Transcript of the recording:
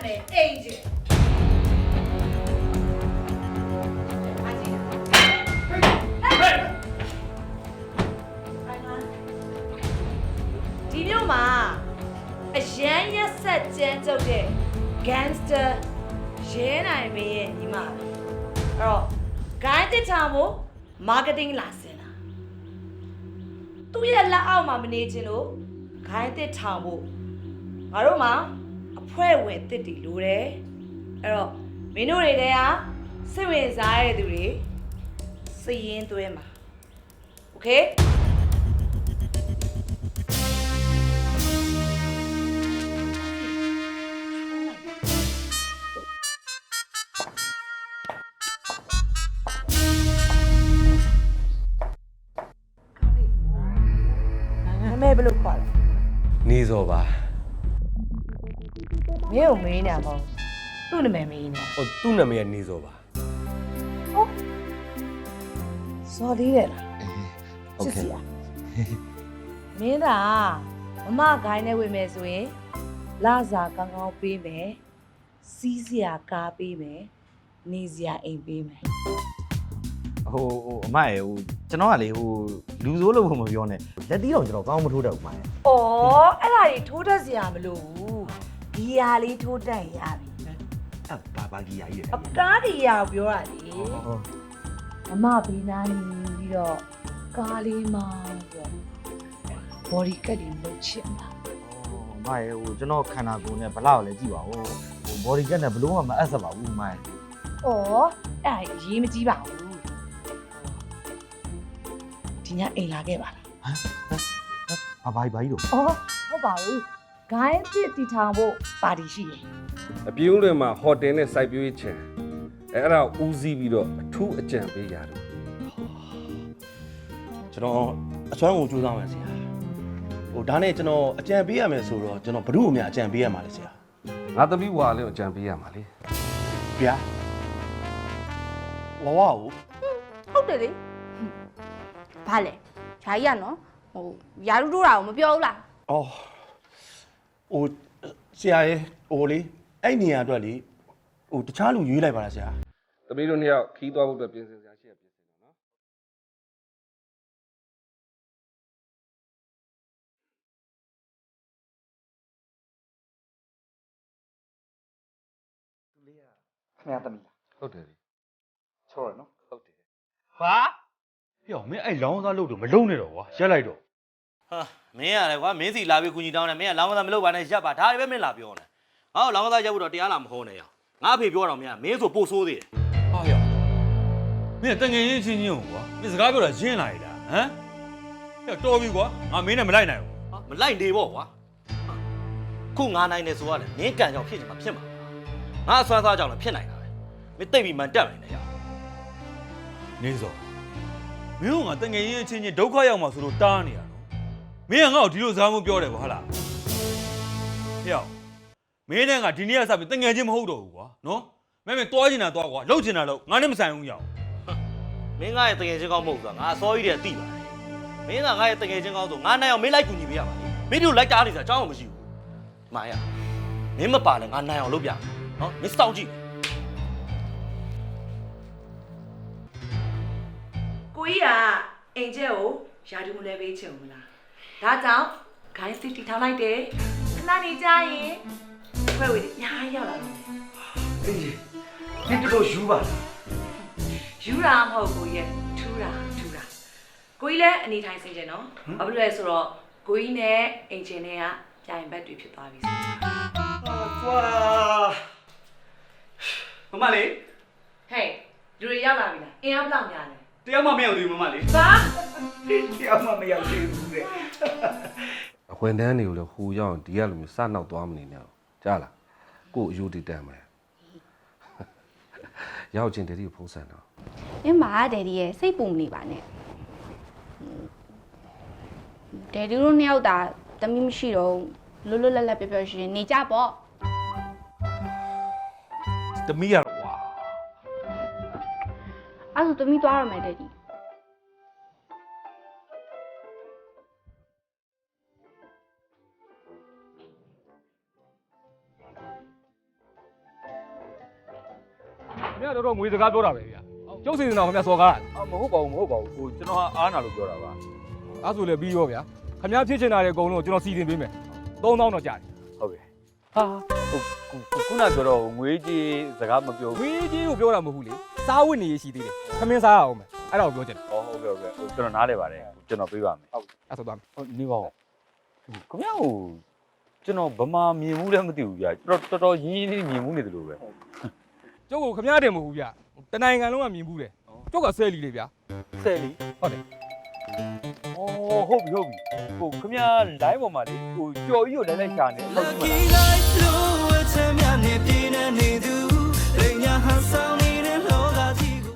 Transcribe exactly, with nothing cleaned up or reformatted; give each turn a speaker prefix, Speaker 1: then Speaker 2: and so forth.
Speaker 1: မယ်အိမ်ကြီးဒီမျိုးမှာအရန်ရက်ဆက်ကြမ်းကြုတ်တဲ့ gangster ရဲနိုင်မင်းရဲ့ညီမပဲအဲ့တော့ gain တစ်ချာမို့ marketing လာစင်တာသူ့ရဲ့လက်အောက်မှာမနေချင်လို့ gain တစ်ထောင်ဖို့ငါတို့မှာအဖွဲ့ဝင်တစ်တီလိုတယ်အဲ့တော့မင်းတို့တွေတဲဟာစိတ်ဝင်စားတဲ့သူတွေစည်ရင်းသွင်းမှာโอเคဘယ်လိုခေါ်လဲ
Speaker 2: နေစောပါ
Speaker 1: မင်းကိုမေးနေမှာသူ့နာမည်မေးနေ
Speaker 2: ဟိုသူ့နာမည်ကနေစောပါ
Speaker 1: ဟုတ်စော်သေးတယ်လား
Speaker 2: ဟုတ်ကဲ့
Speaker 1: မင်းသာမမဂိုင်းနဲ့ဝင်မယ်ဆိုရင်လာစာကောင်းကောင်းပေးမယ်စီးစရာကားပေးမယ်နေစရာအိမ်ပေးမယ်
Speaker 3: ဟိုဟိုအမရေဟိုကျွန်တော်ကလေဟိုလူဆိုးလို့မပြောနဲ့လက်တီးတော့ကျွန်တော်ကောင်းမထိုးတတ်ဘူးမရေ
Speaker 1: ။အော်အဲ့ဒါကြီးထိုးတတ်စရာမလိုဘူး။ဂီယာလေးထိုးတတ်ရပြီ
Speaker 3: ။အဲ့ဘာဘာဂီယာကြီးလဲ
Speaker 1: ။အကားဂီယာကိုပြောတာလေ။ဟုတ်။အမဘီနာနေပြီးတော့ကားလေးမောင်းပြီးတော့ body cut တွေလုပ်ချင်တာ
Speaker 3: ။အော်အမရေဟိုကျွန်တော်ခန္ဓာကိုယ်နဲ့ဘလောက်လဲကြည့်ပါဦး။ဟို body cut နဲ့ဘလို့မှမအပ်ဆက်ပါဘူးအမရေ
Speaker 1: ။အော်အဲ့ဒါရေးမကြည့်ပါဘူး။ဒီညအိမ်လာခဲ့ပါလား
Speaker 3: ဟမ်ဘာဘာဘာကြီးတော့
Speaker 1: အော်ဟုတ်ပါဘူးဂိုင်းတစ်တီထောင်ဖို့ပါတီရှိတယ်
Speaker 2: အပြုံးတွေမှာဟိုတယ်နဲ့စိုက်ပျိုးရေးချင်အဲအဲ့ဒါဦးစီးပြီးတော့အထူးအကြံပေးရတယ်
Speaker 4: ကျွန်တော်အစွမ်းကိုကြိုးစားမယ်ဆရာဟိုဒါနဲ့ကျွန်တော်အကြံပေးရမယ်ဆိုတော့ကျွန်တော်ဘ누구့အများအကြံပေးရမှာလဲဆရာ
Speaker 2: ငါသမီးဝါလေးကိုအကြံပေးရမှာလေ
Speaker 4: ဗျာဝဝကို
Speaker 5: ဟုတ်တယ်လေဘာလဲဂျာကြီးကနော်ဟိုယာရုတို့တာကိုမပြောဘူးလား
Speaker 4: အော်ဟိုဆရာရဲ့ဟိုလေအဲ့နေရာအတွက်လေဟိုတခြားလူရွေးလိုက်ပါလားဆရာ
Speaker 2: သမီးတို့နှစ်ယောက်ခီးသွားဖို့အတွက်ပြင်ဆင်စရာရှိရပြင်ဆင်တော့နော်
Speaker 3: သူလေးကခင်ဗျားသမီးလား
Speaker 2: ဟုတ်တယ်လေ
Speaker 3: ချောရနော်
Speaker 2: ဟုတ်တယ်
Speaker 6: ဘာပြောမင်းအဲ့လောင်းသားလို့တော့မလုံးနဲ့တော့ကွာရက်လိုက်တော့
Speaker 7: ဟာမင်းရတယ်ကွာမင်းစီလာပြီးကူညီတောင်းတယ်မင်းကလောင်းကစားမလုပ်ပါနဲ့ရပ်ပါဒါတွေပဲမင်းလာပြောနေငါ့ကိုလောင်းကစားရပ်ဖို့တော့တရားလာမဟောနဲ့ရငါအဖေပြောတော့မင်းကမင်းဆိုပို့ဆိုးသေးတယ်
Speaker 6: ဟာရောမင်းတငယ်ချင်းချင်းချင်းကွာမင်းစကားပြောတာရင်းလာရလားဟမ်ပြောတော်ပြီကွာငါမင်းနဲ့မလိုက်နိုင်ဘူး
Speaker 7: ဟာမလိုက်နေပေါ့ကွာခုငါနိုင်နေဆိုရတယ်မင်းကံကြောင့်ဖြစ်ချင်မှာဖြစ်မှာငါအစွမ်းစားကြောင့်လည်းဖြစ်နိုင်တာပဲမင်းတိတ်ပြီးမှန်တက်နေတယ်ရ
Speaker 6: နေစောမင်းကငါတငယ်ချင်းချင်းချင်းဒုက္ခရောက်မှာဆိုလို့တားနေရနော်မင်းကငါ့ကိုဒီလိုစားမှုပြောတယ်ကွာဟုတ်လားဟဲ့မင်းနဲ့ငါဒီနေ့ကစပြီးတငယ်ချင်းမဟုတ်တော့ဘူးကွာနော်မင်းမင်းတွားချင်တာတွားကွာလှုပ်ချင်တာလှုပ်ငါနဲ့မဆိုင်ဘူးရအောင်
Speaker 7: မင်းငါရဲ့တငယ်ချင်းကောင်းမဟုတ်ဘူးကွာငါအစောကြီးတည်းသိပါတယ်မင်းကငါရဲ့တငယ်ချင်းကောင်းဆိုငါနိုင်အောင်မင်းလိုက်ကူညီပေးရမှာလေမင်းတို့လိုက်တားနေစရာအကြောင်းမရှိဘူးမာရမင်းမပါလဲငါနိုင်အောင်လုပ်ပြနော်မင်းစောင့်ကြည့်
Speaker 1: ကိုကြီးကအိမ်ကျက်ကိုယာတူမလဲပေးချင်ဘူးလားဒါကြောင့်ဂိုင်းစစ်တီထောင်လိုက်တယ်ခဏနေကြရင်ဖွဲ့ဝေးညားရောက်လာတယ်
Speaker 3: အေးဒီတော့ယူပါ
Speaker 1: ယူတာမဟုတ်ကိုကြီးထူတာထူတာကိုကြီးလည်းအနေထိုင်စင်ကြနော်ဘာဖြစ်လဲဆိုတော့ကိုကြီးနဲ့အိမ်ချင်းတွေကပြိုင်ဘက်တွေဖြစ်သွားပြီဆို
Speaker 4: ကွာမမလေး
Speaker 1: ဟေးလူတွေရောက်လာပြီလားအင်အားဘလောက်များလဲ
Speaker 4: တယောက်မှမရောက်သေးဘူးမမလေး
Speaker 1: ဘာ
Speaker 3: တယောက်မှမရောက်သေးဘူးတဲ့အ
Speaker 2: ခွင့်တန်းတွေကိုလည်းဟိုရောက်ဒီကလိုမျိုးစနောက်သွားမနေနဲ့ကြားလားကို့အယူတည်တမ်းမယ်ရောက်ချင်းတည်းကိုဖုံးဆန်တော့
Speaker 5: အင်းမာဒယ်ဒီရဲ့စိတ်ပူမနေပါနဲ့ဒယ်ဒီတို့နှစ်ယောက်သာတမီးမရှိတော့လွတ်လွတ်လပ်လပ်ပြောပြောရှင်နေကြပေါ့
Speaker 6: တမီးရတော့ကွာ
Speaker 5: အဲ့ဒါတမီးသွားရမယ်ဒယ်ဒီ
Speaker 8: တော်တော်ငွေစကားပြောတာပဲဗျာကျုပ်စီစဉ်တော်ခင်ဗျာစော်ကား
Speaker 9: အာမဟုတ်ပါဘူးမဟုတ်ပါဘူးဟိုကျွန်တော်ကအားနာလို့ပြောတာပါ
Speaker 8: အဲ့ဆိုလည်းပြီးရောဗျာခင်ဗျားဖြစ်ချင်တာတဲ့အကုန်လုံးကျွန်တော်စီစဉ်ပေးမယ်သုံးသောင်းတော့ကြာတယ်
Speaker 9: ဟုတ်ကဲ့ဟာဟိုခုနပြောတော့ငွေကြီးစကားမပြော
Speaker 8: ငွေကြီးကိုပြောတာမဟုတ်ဘူးလေစားဝတ်နေရရှိသေးတယ်ခမင်းစားရအောင်မယ်အဲ့ဒါကိုပြောချင်တယ်
Speaker 9: ဟောဟုတ်ကဲ့ဟုတ်ကဲ့ဟိုကျွန်တော်နားလဲပါတယ်ကျွန်တော်ပြေးပါမယ်ဟုတ်
Speaker 8: အဲ့ဆိုသွားမယ်
Speaker 9: ဟုတ်နေပါဦးခင်ဗျားဟိုကျွန်တော်ဗမာမြင်မှုလည်းမသိဘူးဗျာတော်တော်တော်ရင်းရင်းလေးမြင်မှုနေတယ်လို့ပဲ
Speaker 8: ကျုပ်ကခင်ဗျားတင်မဟုတ်ဘူးဗျာတနိုင်ငံလုံးကမြင်ဘူးတယ်ကျုပ်ကဆယ်လီလေဗျာ
Speaker 9: ဆယ်လီ
Speaker 8: ဟုတ်တယ်
Speaker 9: အော်ဟုတ်ပြီဟုတ်ပြီဟိုခင်ဗျား line ပေါ်မှာလေဟိုကြော်ကြီးကိုလည်းလည်းရှာနေဟုတ်ပြီမလား
Speaker 10: Lucky like blue, it's a man, it's been a new. They are handsome.